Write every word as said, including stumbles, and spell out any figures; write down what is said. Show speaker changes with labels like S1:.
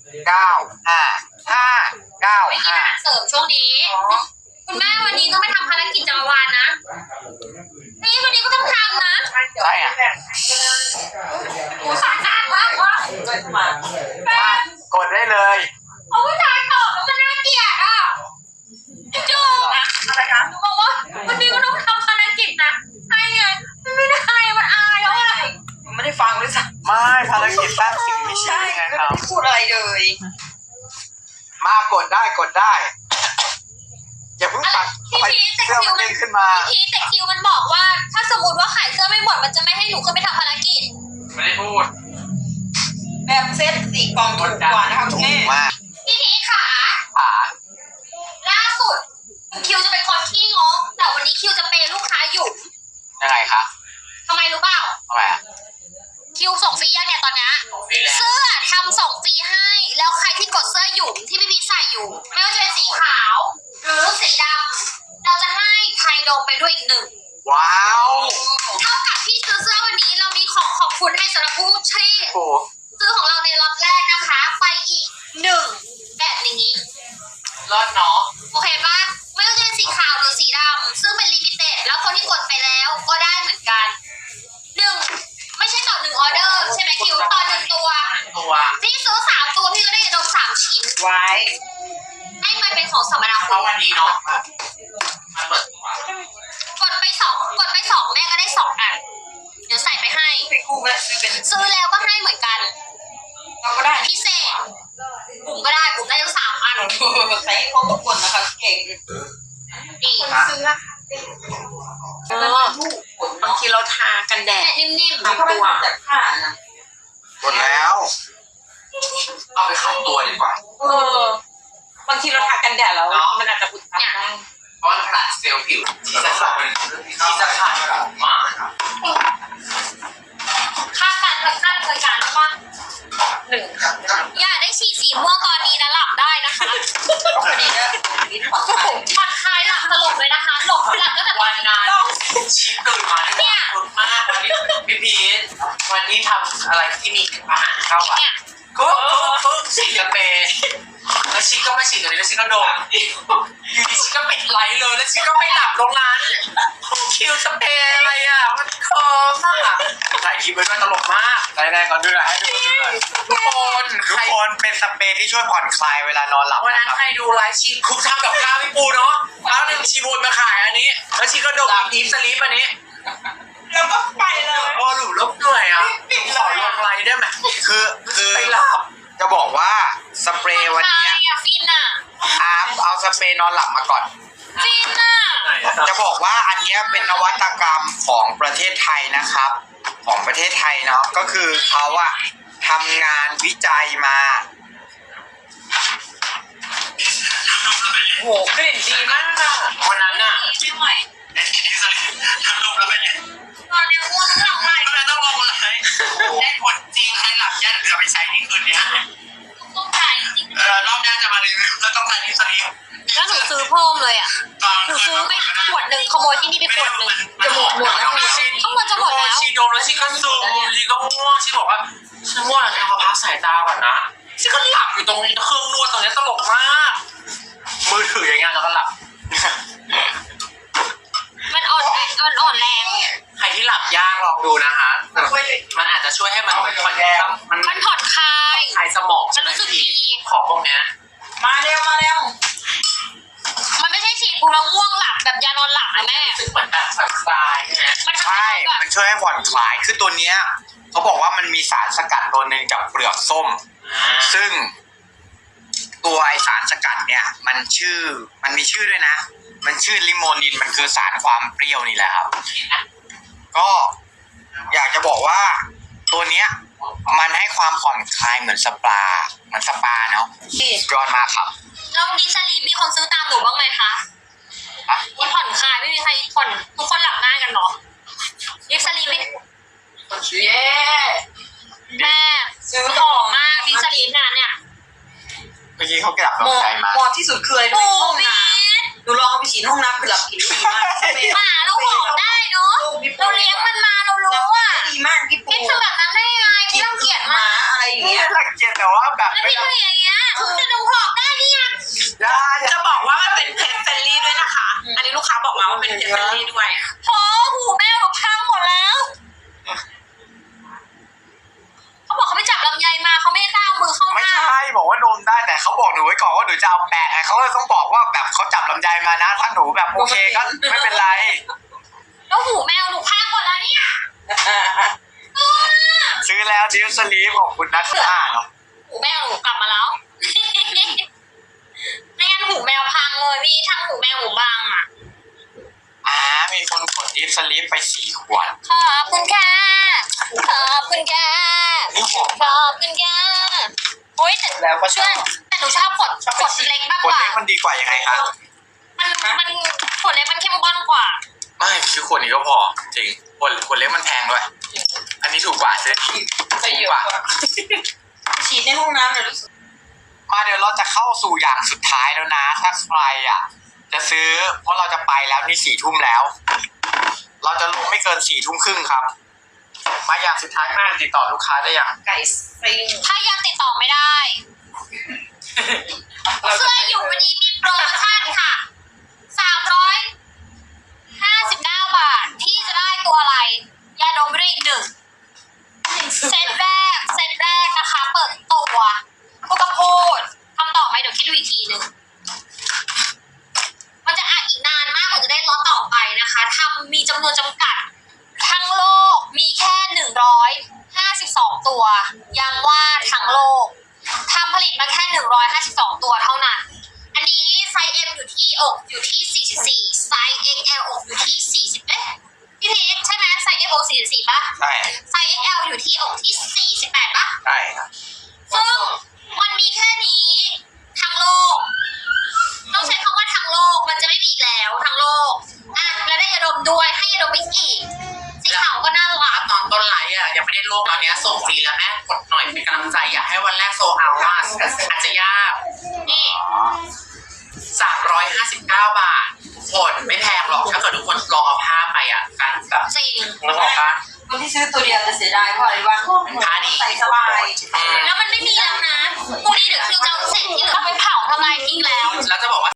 S1: เก้าห้าห้าเก้า
S2: ไม่กิน
S1: ห้า
S2: อาหารเสริมช่วงนี้คุณแม่วันนี้ต้องไปทำภารกิจจักรวาลนะนี่วันนี้ก็ต้องทำนะ
S1: ใช่อ่ะ
S2: กูสงสารมากว่ะ
S1: กดได้เลย
S2: เอาผู้ชายตอบแล้วมันน่าเกลียดอ่ะจูนะอะไรคะบอกว่าวันนี้ก็ต้องทำภารกิจนะให้ไงมันไม่ได้มันอายแล้วอะไร
S3: ไม่ได้ฟังเลยสัก
S1: ไม่ภารกิจสร้างสิ่งมีชีวิตไงครับ
S3: พูดอะไรเลย
S1: มากดได้กดได้อย่าเพิ่งปัด
S2: พี่
S1: ไป
S2: พีแต่
S1: เสื้อ
S2: คิ
S1: มั
S2: วน
S1: เด้งขึ้นมา
S2: พี่พีแต่คิวมันบอกว่า ถ้าสมมติว่าขายเสื้อไม่หมดมันจะไม่ให้หนูขึ้นไปทำภารกิจ
S1: ไม่ได้พูด
S3: แบบเซตสี่กล่องถูกกว่านะคะคุณ
S1: ถู
S3: แม่
S1: กมาก
S2: พี่พีขา
S1: ขา
S2: ล่าสุดคิวจะเป็นคนขี้งกแต่วันนี้คิวจะเป็นลูกค้าหยุ่ม
S1: ยังไงคะ
S2: ทำไมรู้เปล่า
S1: ทำไมอ่ะ
S2: คิวส่งฟรียังเนี่ยตอนนี้ เสื้อทำส่งฟรีให้ แล้วใครที่กดเสื้อหยุ่มที่พี่พีใส่อยู่ ไม่ว่าจะเป็นสีขาว หรือสีดำเราจะให้ไทยโดมไปด้วยอีกหนึ่ง
S1: ว้าว
S2: เท่ากับที่ซื้อเสื้อวันนี้เรามีของขอบคุณให้สำหรับผู้ที่
S1: โอ้
S2: ซื้อของเราในล็อตแรกนะคะ ไปอีกหนึ่งแบบนี้
S1: รอดเนาะ
S2: โอเคปะไม่ว่าจะเป็นสีขาวหรือสีดำซึ่งเป็นลิมิเต็ดแล้วคนที่กดไปแล้วก็ได้เหมือนกันหนึ่งไม่ใช่ต่อหนึ่งออเดอร์ใช่ไหมคิวต่อหนึ่งตัว
S1: ตัว
S2: พี่ซื้อสามตัวพี่ก็ได้ยาดมสามชิ้น
S3: ไว้
S2: ให้มันเป็นของสมนา
S1: เพ
S2: คุ
S1: ราะ
S2: ณ
S1: วันนี้เนาะมาเปิดตัว
S2: กดไปสองกดไปสองแม่ก็ได้สองอันเดี๋ยวใส่ไปให้
S3: ไปกู้มาซื้อเป็น
S2: ซื้อแล้วก็ให้เหมือนกัน
S3: เราก็ได้
S2: พิเศษบุ๋มก็ได้บุ๋มได้ทั้งสามอัน
S3: ใส่ให้ครบทุกคนนะคะเก่ง
S2: นี่
S3: ซื้อละบางทีเราทากันแดด
S2: แต่นิ่ม
S3: ทำตัวจากผ้านะ
S1: กดแล้ว เอาไปขัดตัวดีกว่า
S3: เออบางทีเราทากันแดดแล้วมันอาจจะอุดตันได้
S1: เพราะมันขนาดเซลล์ผิวที่จะขาดที่จะขาดมากครับ
S2: ๆค่าการค่าบริการปะ
S3: หนึ่ง
S2: อย่าได้ฉีดสีม่วงตอนนี้นะหลับได้นะคะ
S3: พอดีนะนิดผ่อนคลาย
S2: ผ่อนคลายหลับสลบเลยนะคะหลบหลับตั้งแต่ตอ
S1: วัน น
S2: นี้
S1: นั้นชีตื่นมาเนี่ยรุนมากวันนี้พี่พีทวันนี้ทำอะไรที่มีอาหารเข้าอ่ะ
S2: เนี่ย
S1: ก็ก็ฉีดกาแฟแล้วชีก็มาฉีดตัวนี้แล้วชีก็ดมอยู่ดีชีก็ปิดไลท์เลยแล้วชีก็ไปหลับตรงนั้นคิวสเปรย์อะไรอ่ะมันคอมากถ่ายคลิปไว้ด้วยตลกมากได้ได้ก่อนด้วยให้ทุกคนดูหน่อยทุกคนทุกคนเป็นสเปรย์ที่ช่วยผ่อนคลายเวลานอนหลับวันนั้นใครดูไลฟ์ชีคุกทำกับข้าวพี่ปูเนาะแล้วหนึ่งชีวนมาขายอันนี้แล้วชีก็ดมอีฟสลีปอันนี้
S3: แล้วก็ไปเลย
S1: โอ้หลุดลบเหนื่อยอ่ะขอลงไลน์ได้ไหมคือคือไปหลับจะบอกว่าสเปรย์วันนี้
S2: ใช่อะฟินอะ
S1: อาร์มเอาสเปรย์นอนหลับมาก่อน
S2: ฟินอะ
S1: จะบอกว่าอันนี้เป็นนวัตกรรมของประเทศไทยนะครับ ของประเทศไทยเนาะก็คือเขาอะทำงานวิจัยมา
S3: โหกลิ่นดีมากอะ
S1: วันนั้นอะ
S2: ไม่ไหว
S1: ทำลงแล้วเป็นไง
S2: ตอนนี้ง่วงหลับไหล
S1: ทำไมต้องลงเลยได้ผลจริงใครหลับยากเดี๋ยวไปใช้นี่คืนนี้
S2: ต้องใจจริง
S1: เออรอบหน้าจะมารีวิวแล้วต้องการที่สลีป
S2: แล้วหนูซื้อเพิ่มเลยอะหนูซื้อไปขวดหนึ่งขโมยที่นี่ไปขวดหนึ่งจะหมดหมดแล้วข้างบนจะหมดแล้ว
S1: ชีดมแล้วชีก็ซูมชีก็ง่วงชีบอกว่าฉันง่วงแล้วขอพักสายตาก่อนนะชีก็หลับอยู่ตรงเครื่องนวดตรงนี้ตลกมากมือถืออย่างเงี้ยแล้วก็หลับ
S2: มันอ่อนแรงมันอ่อนแรง
S1: ใครที่หลับยากลองดูนะคะมันอาจจะช่วยให้มันผ่อนมัน
S2: มันผ่อนคลาย
S1: คลายสมอง
S2: มันรู้สึกดี
S1: ของพวกเนี้ย
S3: มาเร็วมาเร็ว
S2: มันไม่ใช่ฉีดกูแล้วง่วงหลับแบบยานอนหลับนะแม่
S1: รู้สึกเหมือนแบบผ่อนคลายใช่ไหม
S2: มันทำ
S1: ใช่
S2: ให้แบบ
S1: มันช่วยให้ผ่อนคลายคือตัวเนี้ยเขาบอกว่ามันมีสารสกัดตัวหนึ่งจากเปลือกส้ม ซึ่ง ตัวไอสารสกัดเนี่ยมันชื่อมันมีชื่อด้วยนะ มันชื่อลิโมนินมันคือสารความเปรี้ยวนี่แหละครับก็อยากจะบอกว่าตัวเนี้ยมันให้ความผ่อนคลายเหมือนสปาเหมือนสปาเนาะยอดมากครับ
S2: แล้วดิสลีปมีคนซื้อตามหนูบ้างไหมคะมีผ่อนคลายไม่มีใครผ่อนทุกคนหลับง่ายกันเนาะดิสลีป
S3: เย้
S2: แม่ซื้อหอมมากดิสลีปน่ะเนี่ย
S1: เมื่อกี้เขากลับ
S3: หม
S1: มา
S3: อ
S1: ใช้มา
S3: หมอที่สุดคืออะไร
S2: โอ้
S3: ห้อง
S2: พี่
S3: น้หนูลองเอาไปฉีดห้องน้ำคือหลับกินดีมาก
S2: หมาเราบอกได้เนาะเราเลี้ยงมันมาเรารู้อ่ะ
S3: ดีมากพี่ปู
S2: พี่ทำแบบนั้นได้ยังไงพี่ต้องเกลียด
S3: ห
S2: มา
S3: มาอะไรอย่าง
S1: นี่
S3: เงี้ย
S1: รังเกียจแต่ว่าแบบ
S2: แล้ว
S1: ไม่
S2: พี่ทำอย่างเงี้ยจะดูหอบได้นี่ยัง
S1: ได้
S3: จะบอกว่ามันเป็นเพจเฟรนลี่ด้วยนะคะ อันนี้ลูกค้าบอกมาว่าเป็นเพจเฟรนลี่ด้วย
S2: พอหูแม่หนูพังหมดแล้วเขาบอกเขาไปจับลำไยมาเขาไม่กล้าเอามือเข้าห
S1: ไม่
S2: น้า
S1: ใช่บอกว่าดมได้แต่เขาบอกหนูไว้ก่อนว่าหนูจะเอาแปะไงเขาก็ต้องบอกว่าแบบเขาจับลำไยมานะถ้าหนูแบบโอเคก็ไม่เป็นไร
S2: แล้วหูแมวหนูพังหมดแล้วเนี่ย
S1: ซื้อแล้วดิวสลีฟขอบคุณนะค่ะเนาะ
S2: หูแมวหนูกลับมาแล้ว ไม่งั้นหูแมวพังเลยพี่ทั้งหูแมวหูบางอ่ะ
S1: อ่ามีคนกดดิวสลีฟไปสี่ขวด
S2: ขอบคุณค่ะขอบคุณค่ะ
S1: นี่หอม
S2: ขอบคุณค่ะโอ้ยแต่
S1: แล้วก็ช
S2: เชื่
S1: อ
S2: อบ แต่หนูชอบขวดขวดเล็กมาก
S1: ข
S2: ก
S1: วด
S2: ว่า
S1: เล็กมันดีกว่ายังไงคะ
S2: มันมันขวดเล็กมันเข้มข้นกว่า
S1: ไม่คือขวดนี้ก็พอจริงขวดขวดเล็กมันแพงด้วยอันนี้ถูกกว่าซื้อถู
S3: ไป
S1: ก
S3: เย
S1: กว่า
S3: อะฉีดในห้องน้ำเนี่ยรู้สึก
S1: มาเดี๋ยวเราจะเข้าสู่อย่างสุดท้ายแล้วนะถ้าใครอ่ะจะซื้อเพราะเราจะไปแล้วนี่สี่ทุ่มแล้ว เราจะลงไม่เกินสี่ทุ่มครึ่งครับ มาอย่างสุดท้ายมากติดต่อลูกค้าได้อย่าง
S3: ไก่ซิง
S2: ถ้ายังติดต่อไม่ได้ เสื้ออยู่วันนี้มีโปรโมชั่นค่ะ สามร้อยห้าสิบเก้า บาท ที่จะได้ตัวอะไร ยาดมไปด้วยอีกหนึ่ง เซตแรก เซตแรกนะคะ เปิดตัวพูดก็พูดคำตอบไหมเดี๋ยวคิดดูอีกทีหนึ่ง มันจะอ่านอีกนานมากกว่าจะได้ล็อตต่อไปนะคะทำมีจำนวนจำกัด ทั้งโลกมีแค่หนึ่งร้อยห้าสิบสองตัวย้ำว่าทั้งโลกทำผลิตมาแค่หนึ่งร้อยห้าสิบสองตัวเท่านั้น อันนี้ไซส์ M อยู่ที่อกอยู่ที่สี่สิบสี่ไซส์ เอ็กซ์ แอล อกอยู่ที่สี่สิบเอ๊ะพี่พีเอ็กใช่ไหมไซส์ M อกสี่สิบสี่ป่ะ
S1: ใช่
S2: ไซส์ เอ็กซ์ แอล อยู่ที่อกที่สี่สิบแปดป่ะ
S1: ใช่ครับ
S2: ซึ่งมันมีแค่นี้ทั้งโลกต้องใช้คำว่าทั้งโลกมันจะไม่มีอีกแล้วทั้งโลกอ่ะแล้วได้ยาดมด้วยให้ยาดมไปอีกสีขาวก็น่ารัก
S1: ตอนต้นไลฟ์อ่ะยังไม่ได้โลกตอนนี้ส่งฟรีแล้วแม่กดหน่อยเป็นกำลังใจอยากให้วันแรกโซเอาว่าอาจจะยาก
S2: นี่
S1: สามร้อยห้าสิบเก้าบาทโหดไม่แพงหรอกถ้าเกิดทุกคนลองเอาผ้าไปอ่ะกันแบบ
S2: จริง
S1: นึกออกปะ
S3: คนที่ซื้อตัวเดียวจะเสียดายเพราะอะไรวะใส่สบาย
S2: แล้วมันไม่มีแล้วนะพรุ่งนี้เดี๋ยวคิวจะเอาเศษที่เหลือเอาไปเผาทำลายทิ้งแล้ว
S1: แล้วจะบอกว่า